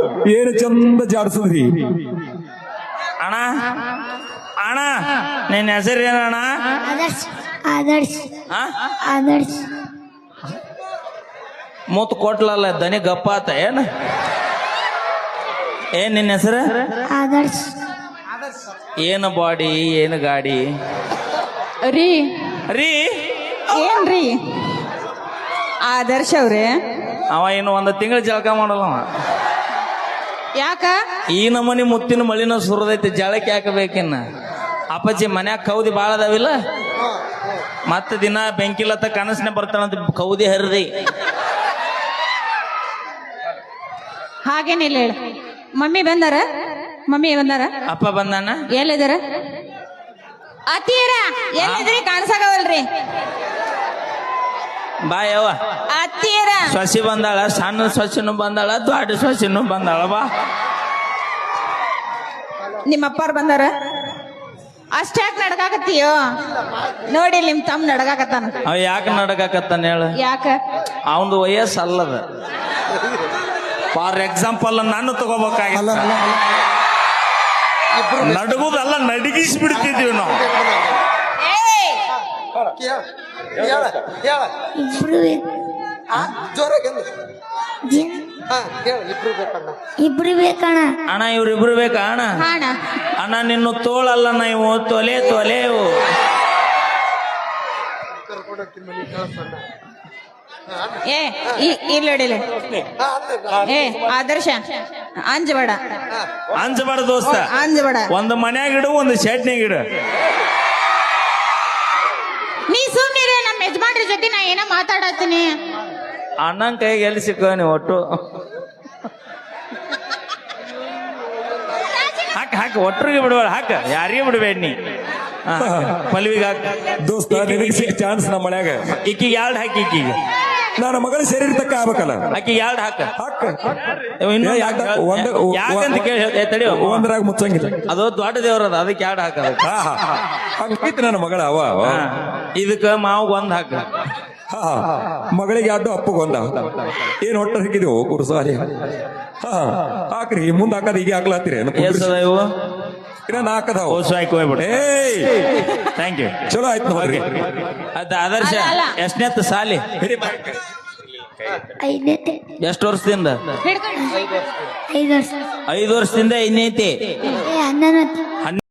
ಏನು ಚಂದ ಜಾಡ್ಸದ್ರಿ ಅಣ್ಣ ಅಣ್ಣ ನಿನ್ನ ಹೆಸರು ಏನಣ್ಣ? ಆದರ್ಶ್ ಆದರ್ಶ್ ಆ? ಆದರ್ಶ್ ಮೂತ್ ಕೊಟ್ಲಲ್ಲ ದನಿ ಗಪ್ಪ ಆತ ಏನ್ ನಿನ್ನ ಹೆಸರು? ಆದರ್ಶ್ ಏನು ಬಾಡಿ ಏನು ಗಾಡಿ ರೀ ರೀ ಏನ್ರಿ ಆದರ್ಶ ಅವ್ರೆ? ಅವ ಇನ್ನು ಒಂದು ತಿಂಗಳು ಜಳಕ ಮಾಡಲ್ಲ ಅವ. ಯಾಕ? ಈ ನಮೂನಿ ಮುತ್ತಿನ ಮಳಿನ ಸುರದೈತಿ, ಜಳಕ್ಕೆ ಹಾಕಬೇಕಿನ್ನ. ಅಪ್ಪಾಜಿ ಮನ್ಯಾಗ ಕೌದಿ ಭಾಳ ಅದಾವಿಲ್ಲ, ಮತ್ತೆ ದಿನ ಬೆಂಕಿಲತ್ತ ಕನಸನೆ ಬರ್ತಾನಂತ ಕೌದಿ ಹರಿದಿ. ಹಾಗೇನಿಲ್ಲ ಹೇಳ. ಮಮ್ಮಿ ಬಂದಾರ? ಮಮ್ಮಿ ಬಂದಾರ? ಅಪ್ಪ ಬಂದಾನ? ಎಲ್ಲಿದಾರ? ಅತ್ತೀರ ಎಲ್ಲಿದ್ರಿ? ಕಾಣಿಸಾಗವಲ್ರಿ. ಬಾ ಯವ್ವ. ಅತ್ತೀರ ಸೊಸಿ ಬಂದಾಳ, ಸಣ್ಣ ಸೊಸಿನೂ ಬಂದಾಳ, ದೊಡ್ಡ ಸೊಸಿನೂ ಬಂದಾಳ. ಬಾ. ನಿಮ್ಮ ಅಪ್ಪಾರ್ ಬಂದಾರ? ಅಷ್ಟ್ಯಾಕ್ ನಡ್ಕಾಕತ್ತೀಯೋ? ನೋಡಿ ನಿಮ್ ತಮ್ಮ ನಡ್ಕಾಕತ್ತಾನ. ಅವ ಯಾಕೆ ನಡಕಾಕತ್ತಾನ ಹೇಳ? ಯಾಕ? ಅವನದು ವಯಸ್ಸು ಅಲ್ಲದ. ಫಾರ್ ಎಕ್ಸಾಂಪಲ್ ನಾನು ತಗೋಬೇಕಾಗಿಲ್ಲ, ನಡಗುದಲ್ಲ ನಡಗಿಸ್ಬಿಡ್ತಿದ್ದೀವಿ ನಾವು. ಇಬ್ರು ಇಬ್ರು ಬೇಕಣ್ಣ. ಅಣ್ಣ ಇವ್ರಿಬ್ರು ಬೇಕಾ ಅಣ್ಣ? ಹಾಣ ಅಣ್ಣ ನಿನ್ನ ತೋಳಲ್ಲ ನೀವು ತೊಲೆ ತೊಲೆವು. ಇಲ್ಲಡಿಲ್ಲ. ಆದರ್ಶ ಅಂಜಬೇಡ, ಅಂಜಬಾರ ದೋಸ್ತ. ಅಂಜಬೇಡ. ಒಂದು ಮನ್ಯಾಗ ಇಡು, ಒಂದು ಶೆಟ್ನ್ಯಾಗ ಇಡು. ನೀ ಸುಮ್ನಿರ. ನಮ್ಮ ಯಜಮಾನ್ರ ಜೊತೆ ನಾ ಏನೋ ಮಾತಾಡತ್ತೀನಿ. ಅಣ್ಣನ ಕೈಗೆ ಎಲ್ಲಿ ಸಿಕ್ಕ ನೀವು ಒಟ್ಟು? ಹಾಕ ಹಾಕ, ಒಟ್ಟರಿಗೆ ಬಿಡಬೇಡ, ಹಾಕ, ಯಾರಿಗೆ ಬಿಡಬೇಡ ನೀ. ಪಲ್ವಿಗೆ ಹಾಕ ದೋಸ್ತ, ನಿನಗೆ ಸಿಕ್ಕ ಚಾನ್ಸ್ ನಮ್ಮ ಮನ್ಯಾಗ. ಈಕಿಗೆ ಎರಡು ಹಾಕಿ, ಈಕಿಗೆ ನನ್ನ ಮಗಳ ಸೇರಿರ್ತಕ್ಕ ಆಗ್ಬೇಕಲ್ಲ. ಆಕಿಗೆ ಎರಡು ಹಾಕ. ಹಾಕ ಇನ್ನು ಒಂದು ಯಾಕಂತ ಕೇಳಿ ತಡಿ, ಒಂದ್ರಾಗ ಮುಚ್ಚಂಗಿಲ್ಲ. ಅದು ದೊಡ್ಡ ದೇವ್ರದ, ಅದಕ್ಕೆ ಎರಡು ಹಾಕದ. ಹಂಗಿತ್ತು ನನ್ನ ಮಗಳ. ಅವ ಇದಕ್ಕ ಮಾವು ಒಂದ್ ಹಾಕ. ಮಗಳಿಗೆ ಅಡ್ಡು ಅಪ್ಪಗೆ ಒಂದ. ಏನ್ ಹೊಟ್ಟ ಹಾಕಿದೀವು ಕುರುಸಾರಿ? ಹಾಕ್ರಿ, ಮುಂದ್ ಹಾಕದ ಈಗ ಹಾಕ್ಲಾತ್ತೀರಿ? ಎಷ್ಟದ ಇವು? ಇನ್ನ ಹಾಕದಾವ. ಹೋಗ್ಬಿಡ. Thank you. ಚಲೋ ಆಯ್ತು ನೋಡ್ರಿ. ಅದ ಆದರ್ಶ ಎಷ್ಟನೇತ್ ಸಾಲಿ? ಐದೈತೆ. ಎಷ್ಟು ವರ್ಷದಿಂದ? ಹಿಡ್ಕೊಂಡು 5 ವರ್ಷ. 5 ವರ್ಷದಿಂದ ಐದನೇತಿ. 11